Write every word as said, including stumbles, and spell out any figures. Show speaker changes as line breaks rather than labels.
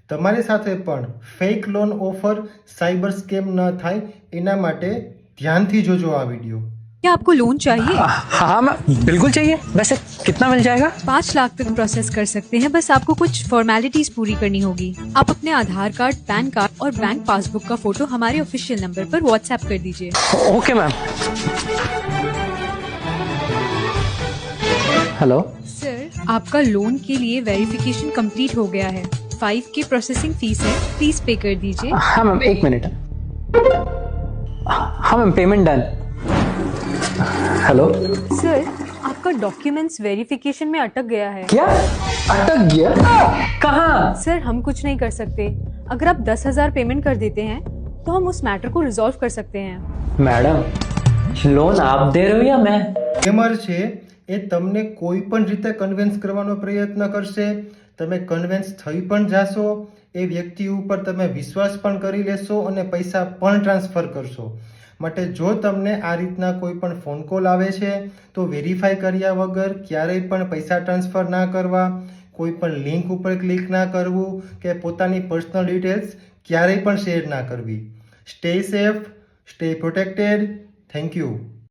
તમારી સાથે પણ fake loan offer cyber scam ન થાય એના માટે ध्यान જોજો આ વિડીયો।
क्या आपको लोन चाहिए?
हाँ मैम बिल्कुल चाहिए। वैसे कितना मिल जाएगा?
पाँच लाख तक प्रोसेस कर सकते हैं, बस आपको कुछ फॉर्मेलिटीज पूरी करनी होगी। आप अपने आधार कार्ड, पैन कार्ड और बैंक पासबुक का फोटो हमारे ऑफिशियल नंबर पर व्हाट्सएप कर दीजिए।
Okay ma'am. हेलो
सर, आपका लोन के लिए वेरिफिकेशन कंप्लीट हो गया है। फाइव की प्रोसेसिंग फीस है, प्लीज पे कर दीजिए।
हाँ मैम एक मिनट। हाँ ma'am payment done. Hello
sir, आपका डॉक्यूमेंट्स वेरिफिकेशन में अटक गया है।
क्या अटक गया? कहाँ?
सर, हम कुछ नहीं कर सकते। अगर आप दस हजार पेमेंट कर देते हैं तो हम उस मैटर को रिजॉल्व कर सकते हैं।
मैडम लोन आप दे रहे हो या मैं?
સ્કેમર છે એ તમને કોઈ પણ રીતે કન્વિન્સ કરવાનો પ્રયત્ન કરશે। તમે કન્વિન્સ થઈ પણ જાશો, એ વ્યક્તિ ઉપર તમે વિશ્વાસ પણ કરી લેશો અને પૈસા પણ ટ્રાન્સફર કરશો। માટે જો તમને આ રીતના કોઈ પણ ફોન કોલ આવે છે તો વેરીફાઈ કર્યા વગર ક્યારેય પણ પૈસા ટ્રાન્સફર ના કરવા, કોઈ પણ લિંક ઉપર ક્લિક ના કરવું કે પોતાની પર્સનલ ડિટેલ્સ ક્યારેય પણ શેર ના કરવી। Stay safe, stay protected. Thank you.